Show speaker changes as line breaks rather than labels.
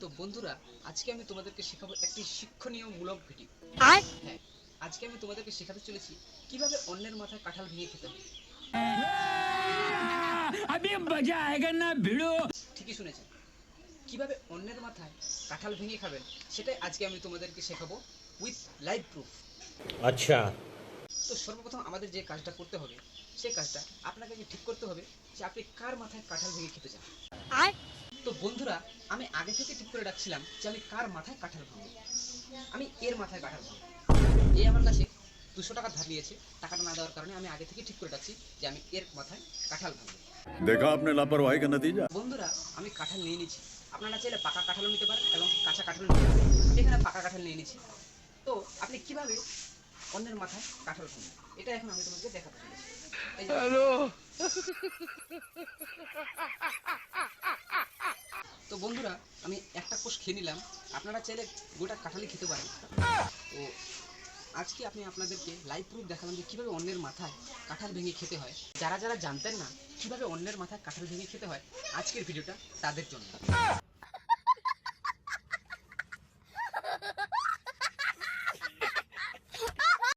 তো বন্ধুরা, আজকে আমি তোমাদেরকে শেখাবো একটি শিক্ষণীয়মূলক ভিডিও।
আর
হ্যাঁ, আজকে আমি তোমাদেরকে শেখাতে চলেছি কিভাবে অন্যের মাথায় কাঁঠাল ভেঙে খেতে হয়।
अभी मजा आएगा ना भिड़ो।
ঠিকই শুনেছেন, কিভাবে অন্যের মাথায় কাঁঠাল ভেঙে খাবেন সেটাই আজকে আমি তোমাদেরকে শেখাবো উইথ লাইভ প্রুফ।
अच्छा।
তো সর্বপ্রথম আমাদের যে কাজটা করতে হবে, সেই কাজটা আপনাকে আগে ঠিক করতে হবে যে আপনি কার মাথায় কাঁঠাল ভেঙে খেতে চান।
আর
তো বন্ধুরা, আমি আগে থেকে ঠিক করে রাখছিলাম যে আমি কার মাথায় কাঁঠাল ভাঙবো। আমি এর মাথায় কাঁঠাল ভাঙবো। এ আমার কাছে 200 টাকা ধার নিয়েছে, টাকাটা না দেওয়ার কারণে আমি আগে থেকে ঠিক করে রাখছি যে আমি এর মাথায় কাঁঠাল ভাঙবো।
देखा आपने लापरवाही का नतीजा।
বন্ধুরা, আমি কাঁঠাল নিয়ে নিচ্ছি। আপনারা চাইলে পাকা কাঁঠালও নিতে পারেন এবং কাঁচা কাঁঠালও নিতে পারেন। আমি এখানে পাকা কাঁঠাল নিয়ে নিচ্ছি। তো আপনি কিভাবে অন্যের মাথায় কাঁঠাল ভাঙবেন এটা এখন আমি তোমাকে দেখাতে চলেছি। এই যে, তো বন্ধুরা, আমি একটা কোষ খেয়ে নিলাম। আপনারা চাইলে গোটা কাঁঠালই খেতে পারেন। তো আজকে আমি আপনাদেরকে লাইভ প্রুফ দেখালাম যে কীভাবে অন্যের মাথায় কাঁঠাল ভেঙে খেতে হয়। যারা যারা জানতেন না কীভাবে অন্যের মাথায় কাঁঠাল ভেঙে খেতে হয়, আজকের ভিডিওটা তাদের জন্য।